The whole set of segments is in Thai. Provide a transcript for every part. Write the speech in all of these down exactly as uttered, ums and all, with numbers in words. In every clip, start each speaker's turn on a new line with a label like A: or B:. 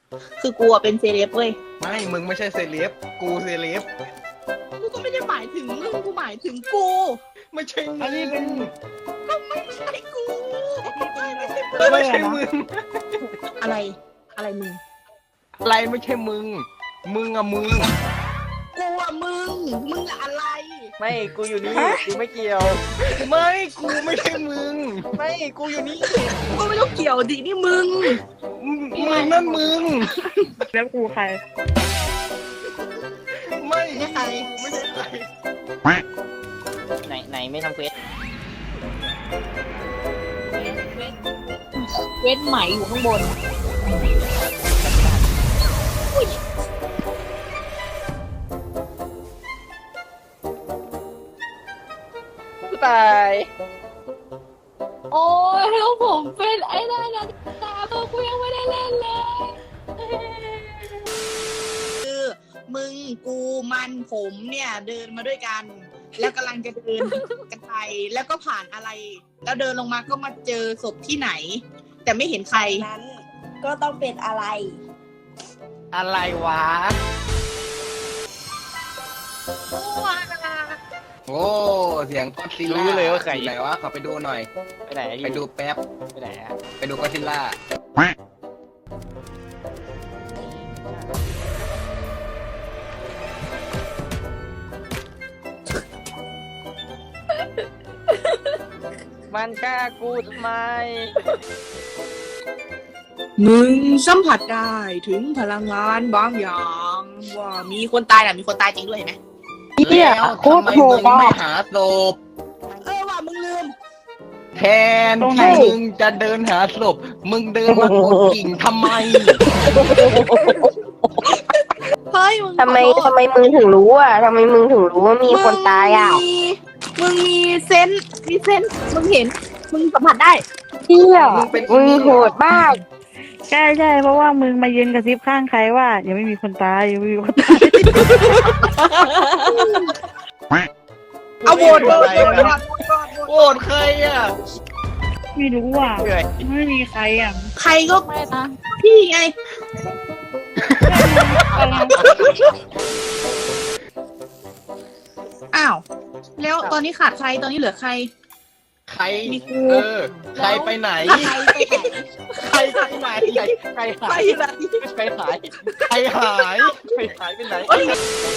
A: คือกูอะเป็นเซเลบเว้ย
B: ไม่มึงไม่ใช่เซเลบกูเซเลบ
A: กูก็ไม่ได้หมายถึงมึงกูหมายถึงกู
B: ไม่ใช่มึง
C: อันนี้เป็น
A: ก็ไม่ใช่กู
B: ไม่ใช่มึง
A: อะไร อะไรมึง
B: อะไรไม่ใช่มึง มึงอะมึง
A: กูอะมึง มึงอะอะไร
C: ไม่กูอยู่นี่กูไม่เกี่ยว
B: ไม่กูไม่ใช่มึง
C: ไม่กูอยู่นี่
A: กูก็ไม่ต้องเกี่ยวดินี่มึง
B: มึงมึงนั่นมึง
D: แล้วกูใคร
B: ไม่
A: ไม่ใคร
B: ไม่ใช่ใคร
C: ไหนไหนไม่ทำเควส
A: เว้นไหมอยู่ข้างบน
C: กูตาย
E: โอ้ยแล้วผมเป็นไอ้นั่นนะตาตัวกูยังไม่ได้เล่นเลย
A: คือมึงกูมันผมเนี่ยเดินมาด้วยกัน แล้วกำลังจะเดินกันไปแล้วก็ผ่านอะไร แล้วเดินลงมาก็มาเจอศพที่ไหน แต่ไม่เห็นใคร
F: นั้นก็ต้องเป็นอะไร
B: อะไรวะ โอ้เสียงก็อดซิลล่า
C: รู้เลยว่าใคร
B: ไหนวะขอไปดูหน่อย
C: ไปไหน
B: ไปดูแป๊บ
C: ไปไหนอะ
B: ไปดูก็อดซิลล่า
C: มันกล้ากูทำไม
A: มึงสัมผัสได้ถึงพลังงานบางอย่าง ว่ามีคนตายน่ะมีคนตายจริงด้วยเห็นไหม
B: แล้วทำไมมึงไม่หาศพ
A: เออว่ามึงลืม
B: แทนที่มึงจะเดินหาศพ มึงเดินมากดกิ่งทำไม
A: เฮ้ยมึง
G: ทำไม
A: ขอโทษ
G: ทำไมมึงถึงรู้อ่ะทำไมมึงถึงรู้ว่ามีคนตายอ่ะ
A: มึงมีมึงมีเซนส์มีเซนส์มึงเห็น มึงสัมผัสได้
G: เที่ย
B: มึงเป็น
G: มึงโหดมาก
D: ใช่ใช่เพราะว่ามึงมายืนกระซิบข้างใครว่ายังไม่มีคนตายยังไม่มีคนตาย
A: เอาโหวตโหวตโหวตโหวตโหวตโหวต
B: โกรธใครอ่ะ
D: ไม่รู้อ่ะ
C: เหนื่อย
D: ไม่มีใครอ่ะ
A: ใครก็
E: ไม่นะ
A: พี่ไง อ้าว แล้วตอนนี้ขาดใคร ตอนนี้เหลือใคร
B: ใคร
A: มีกู
B: เออ ใครไปไหน
A: ใครไปไหน
B: ใครไปไหน
C: ใครหา
A: ไป
C: ย
A: ไหน
C: ใครหาย
B: ใครหาย
C: ใครหายไปไหน
A: เอ้ย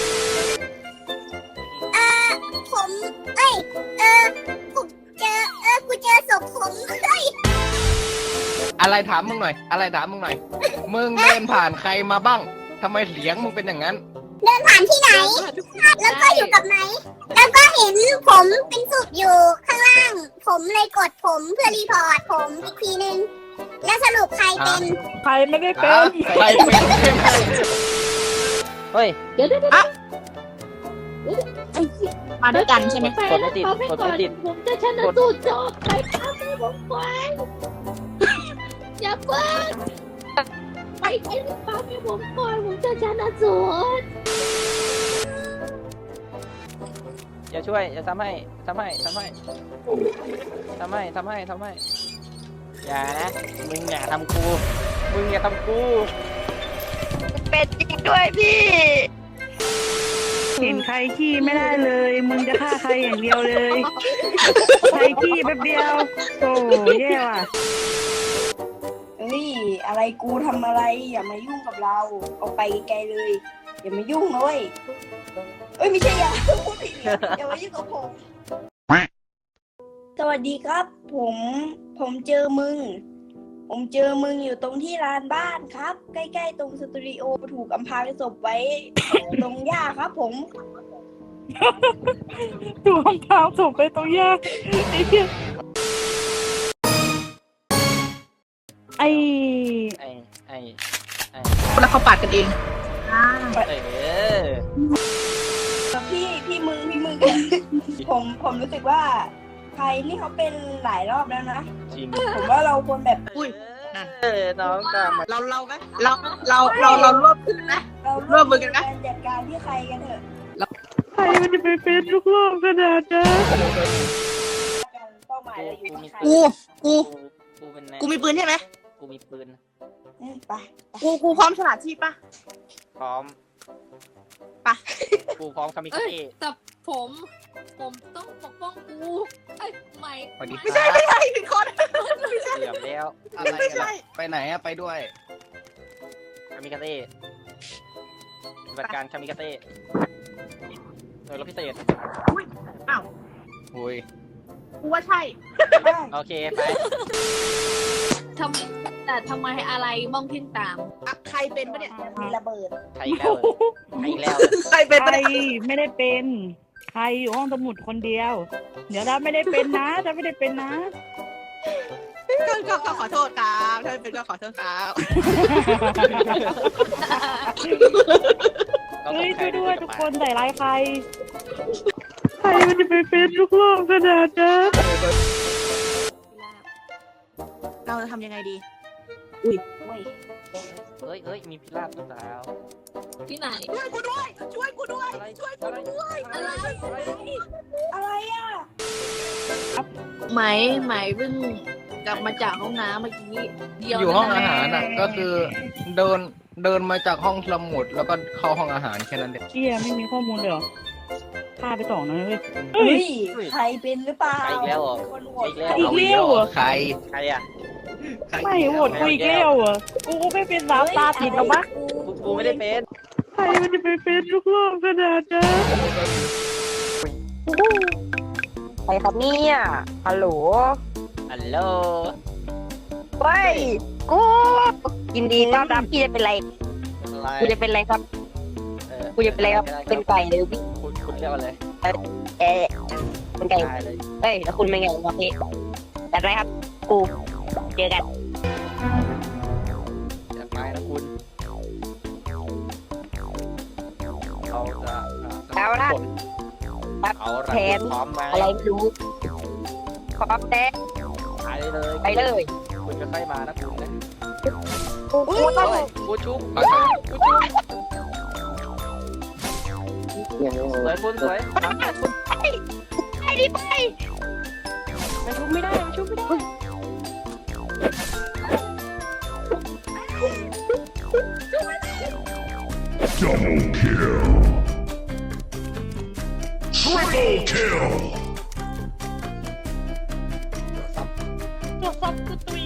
F: ผม เอ้ย เออผมเจอ เออ กูเจอศพผมเฮ้ย
B: อะไรถามมึงหน่อย อะไรถามมึงหน่อย มึงเดินผ่านใครมาบ้างทำไมเสียงมึงเป็นอย่างนั้น
F: เดินผ่านที่ไหน แล้วก็อยู่กับไหน แล้วก็เห็นผมเป็นศพอยู่ข้างล่าง ผมเลยกดผมเพื่อรีพอร์ตผมอีกทีนึง แล้วสรุปใครเป็น
D: ใครไม่ได้เป็
B: ฮะ
D: น
B: ใครเป็นใช่ไหม
C: เฮ้ย
E: เดี๋ยวเดี๋ยวเดี๋ยว
A: อ่ะ
E: ไอ้เหี้ย
A: มาด้วยกันใช่ไหม
E: ไป
C: กดไม่ติด
E: เอาไป
C: กด
E: ก่อ
C: ไม่
E: น
C: ติด
E: ผมจะชนะสูตรจบไปทำให้ผมไปอย่าเพิ่งไปไปทำให้ผมก่อนผมจะชนะสูตร
C: อย่าช่วยอย่าทำให้ทำให้ทำให้ทำให้ทำให้ทำให้อย่านะมึงอย่าทำกูมึงอย่าทำกู
G: เป็นจริงด้วยพี่
D: เห็นใครขี้ไม่ได้เลย มึงจะฆ่าใครอย่างเดียวเลย ใครขี้แป๊บเดียว โอ้แย่ว่ะ
F: เฮ้ย อะไรกูทำอะไร อย่ามายุ่งกับเรา เอาไปไกลๆเลย อย่ามายุ่งนะเว้ยเอ้ย ไม่ใช่อย่าพูดผิดเนี่ยอย่ามายุ่งกับผม สวัสดีครับ ผม ผมเจอมึง ผมเจอมึงอยู่ตรงที่ลานบ้านครับ ใกล้ๆตรงสตูดิโอถูกอำพรางศพไว้ ตรงหญ้าครับผม
D: ถูกเท้าถูกไปตรงยากไอ้เหี้ยไอ้
C: ไอ้ไอ้ไอ้
A: แล้วเขาปาดกันเอง
C: เออ
F: พี่พี่มึงพี่มึง ผมผมรู้สึกว่าใครนี่เขาเป็นหลายรอบแล้วนะ
C: จริง
F: ผมว่าเราควรแบบ
A: อุ้ย นั่น
C: เออน้องตามมา
A: เราเราไหมเราเราเราเรารวบขึ้นนะ
F: เรา
A: ร่วมมือกันนะ
F: จัดการที่ใครกันเถอะ
D: ใครมันจะไปเป็นลูกโลกขนาดนั้น
F: เป้าหมายเราอยู่ที่ใคร
A: กู กู
C: กูเป็นแน่
A: กูมีปืนใช่ไหม
C: กูมีปืน
H: เอ้ยไป
A: กูกูพร้อมฉลาดชีพปะ
C: พร้อม
A: ไป
C: กูพร้อมคามิ
E: เอ้
C: คาย เตะ
E: แต่ผม ผมต้องปกป้องกูไอ้ยไหม
B: สวัสดี
A: ไม่ใช่ไม่ใช่ผิดคน
C: เกือบแล้ว
B: อะไร
A: ไม่
B: กัน
A: ใช่
B: อะไปไหนอะไปด้วย
C: คามิคาเตะปฏิบัติการคามิคาเตะหน่วยรบพิเศษ
A: อ้าว
B: หุย
A: กูว่าใช่
C: โอเคไป
E: ทำแต่ทำไมอะไรมองเพ่งตาม
A: อะใครเป็นปะเนี่ย
H: มีระเบิด
C: ใครอีกแล้วเหรอใครอีกแล้ว
A: ใครเป็น
D: ใค
A: ปะ
D: ร
A: เนี่ย
D: ไม่ได้เป็น ใครอยู่ห้องสมุดคนเดียว เดี๋ยวเราไม่ได้เป็นนะจะไม่ได้เป็นนะ
A: ก็ก็ก็ขอโทษครับถ้าไม่เป็นก็ขอโทษครับ
D: เฮ้ยช่วยด้วยทุกคนใส่ร้ายใคร ใครมันจะไปเป็นทุกรอบขนาดนั้น
A: เราจะทำยังไงดี
H: เว้ย
C: เฮ้ยเฮ้ยมีพิราบหรือเปล่า
E: ที่ไหน
A: ช่วยกูด้วย ช่วยกูด้วย
C: อะไร
A: ช่วยกูด้วย
C: อะไรอะไร
H: อะไรอ่ะ
E: ไหมไหมเพิ่งกลับมาจากห้องน้ำเมื่อกี้เดียว
B: อยู่ห้อง
E: นะ
B: อาหารอะก็คือเดินเดินมาจากห้องสมุดแล้วก็เข้าห้องอาหารแค่นั้นเอง
D: เกียไม่มีข้อมูลเลยเหรอพาไปสองนะเว้ย
H: เฮ้ยใครเป็นหรือเปล่า
C: ใครอีกแล้วเหรอ
H: คนโหว
C: ใคร
H: ต
C: อีกแล้ว
D: อีกแล้วเหรอ
B: ใคร
C: ใครอ่ะ
B: ใคร
D: ไม่โหวตกูอีกแล้วเหรอกูก็ไม่เป็นสามตาติดหรอกมะ
C: กูกูไม่ได้เป็น
D: ใครมันจะไปเป็นทุกรอบขนาดนั้น
G: ใครครับเนี่ยฮัลโหล
C: ฮัลโหล
G: เฮ้ยกูยินดีต้อนรับพี่จะเป็นไร
C: อะไร
G: กูจะเป็นไรครับ
C: เออ
G: กูจะเป็นไรครับ เป็นไก่เลยพี่
C: คุณคุณเรียกว่าอะไร
G: เอ๊ะเป็นไก่
C: ได้เลย
G: เฮ้ยแล้วคุณเป็นไงวะพี่จัดไรครับ กู เจอกัน
C: จากไม้นะคุณเขาจะ
G: เอาละ
C: เอาละ
G: แผน
C: พร้อมไหม
G: อะไรไม่รู้พร้อมแน่
C: ไปเลย
G: ไปเลย
C: คุณจะค่อยมานะคุณนะ
G: กูกูต้อง
C: กูชุบ
B: ขอโทษ
C: กูชุบสวยคุณสวย
G: มันชุบไม่ได้มันชุบไม่ได้
D: ตรวจสอบกูตุย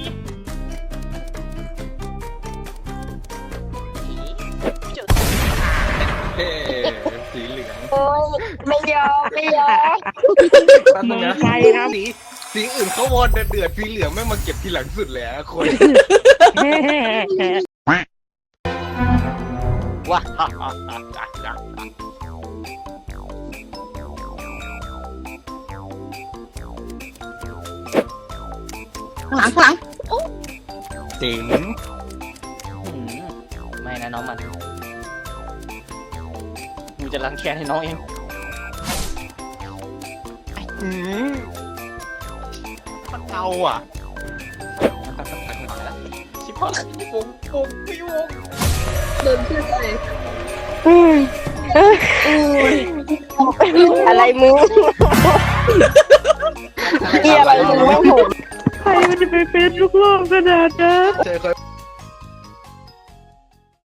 B: เฮ้สีเหลือง
G: โอ้ยไม่ยอมไม่ยอม
B: แป๊บนึงนะ
D: ใครครับ
B: สีสีอื่นเขาวอนเดือดๆสีเหลืองไม่มาเก็บทีหลังสุดเลยอะคน
C: ว้า
A: หลังหลัง
B: เจ๋ง
C: ไม่นะน้องมันกูจะรังแค้นให้น้องเอง
B: อืมมันเอาอ่ะ
C: ชิบหายพี่วงวงพี่วง
E: เดินขึ้นเลย
G: อะไรมึงเฮียอะไรมึงไม่ผม
D: ใครมันจะไปเป็นทุกรอบขนาดนั้น
B: เจอคน